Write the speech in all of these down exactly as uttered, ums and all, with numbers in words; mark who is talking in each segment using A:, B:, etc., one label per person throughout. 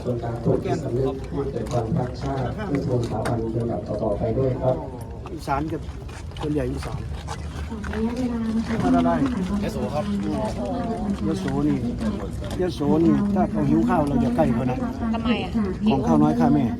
A: ส่วนการฝึกจิตสำนึกให้เกิดความรักชาติเพื่อทวงสถาบันลำดับต่อๆไปด้วยครับ
B: อีสานกับส่วนใหญ่อีสาน
C: มาได้
B: ยโสครับยโสนี่ยโสนี่ถ้าเขาหิวข้าวเราอย่าใกล้เขานะ
C: ทำไมอ่ะ
B: ของข้าวน้อยข้าแม่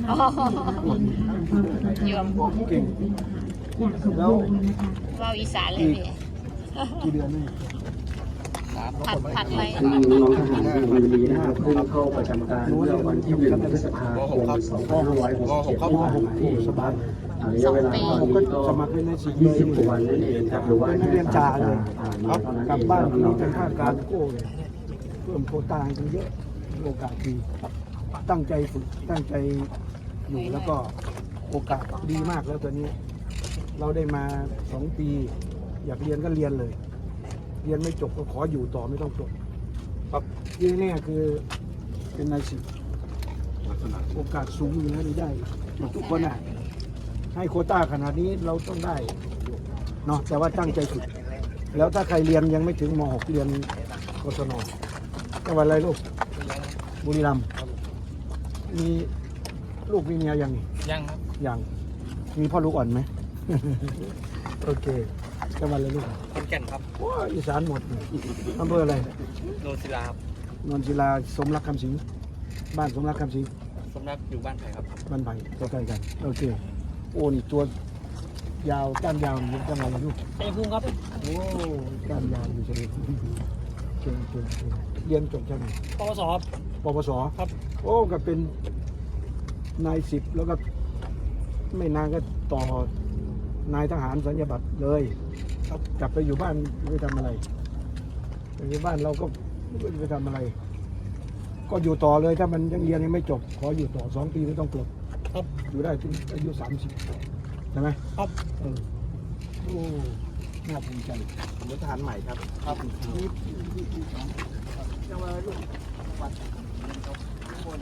C: ยอม
B: เก่งแล้ว
C: ว่าอีสานเลยพี่
B: กี่เดือนนี่
C: ผัดผัดไป
A: ที่น้องทหารในวันนี้นะครับเพิ่งเข้าประจำการเมื่อวันที่หนึ่งพฤษภาคมสองพันห้าร้อยหกสิบเจ็ดที่ผ่านมาเองครับระยะเวลาตอนนี้ก็
B: สมัครเป็นในสิบ
A: ยี่สิบกว่าวันนั่นเองครับหรือว่า
B: นักเรียนจ่าเลย
A: ครับ
B: กลับบ้านที่เป็นข้าการโก้เลยเพิ่มโควต้ากันเยอะโอกาสดีตั้งใจฝึกตั้งใจอยู่แล้วก็โอกาสดีมากแล้วตอนนี้เราได้มาสองปีอยากเรียนก็เรียนเลยเรียนไม่จบก็ขออยู่ต่อไม่ต้องจบครับที่นี่คือเป็นนายสิบโอกาสสูงอยู่นะได้ทุกคนอ่ะให้โควต้าขนาดนี้เราต้องได้เนาะแต่ว่าตั้งใจฝึกแล้วถ้าใครเรียนยังไม่ถึงม หก เรียนกศนจังหวัดอะไรลูกบุรีรัมย์มีลูกมีเมียยัง
D: ยังครับ
B: ยังมีพ่อลูกอ่อนไหม โอเคจังหวัดอะไรลูก
D: ขอนแก่นครับ
B: ว้าอีสานหมดอำเภออะไร
D: โนนศิลาครับ
B: นนศิลาสมรักคำสิงบ้านสมรักคำสิง
D: สมรักอยู่บ้านไผ่ครับ
B: บ้านไผ่ใกล้ๆกันโอเคโอ้นี่ตัวยาวก้านยาวอยู่จังหวัดอะไรลูก
D: ชัยภูมิครับ
B: โอ้ก้านยาวอยู่ชัยภูมิเก่งเก่งเก่งเรียนจบจากไหน
D: ปวสครับ
B: ปวส
D: ครับ
B: โอ้ก็เป็นนายสิบแล้วก็ไม่นานก็ต่อนายทหารสัญญาบัตรเลยครับกลับไปอยู่บ้านไปทำอะไรไปอยู่บ้านเราก็ไปทำอะไรก็อยู่ต่อเลยถ้ามันยังเรียนยังไม่จบขออยู่ต่อสองปีไม่ต้องจบ
D: ครับ
B: อยู่ได้ถึงอายุสามสิบใช่ไหม
D: ครับ
B: เออโอ้น่าภูมิใจผมเป็นทหารใหม่ครับครับนี่จังหวัดลูกวัดคน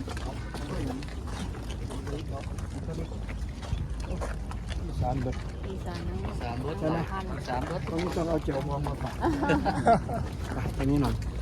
B: อีสานเบิด
C: อีสาน
D: สามรถ
B: ใช่ไหม
D: สามรถ
B: ต้องต้องเอาเจียวมองมาฝากอันนี้หน่อย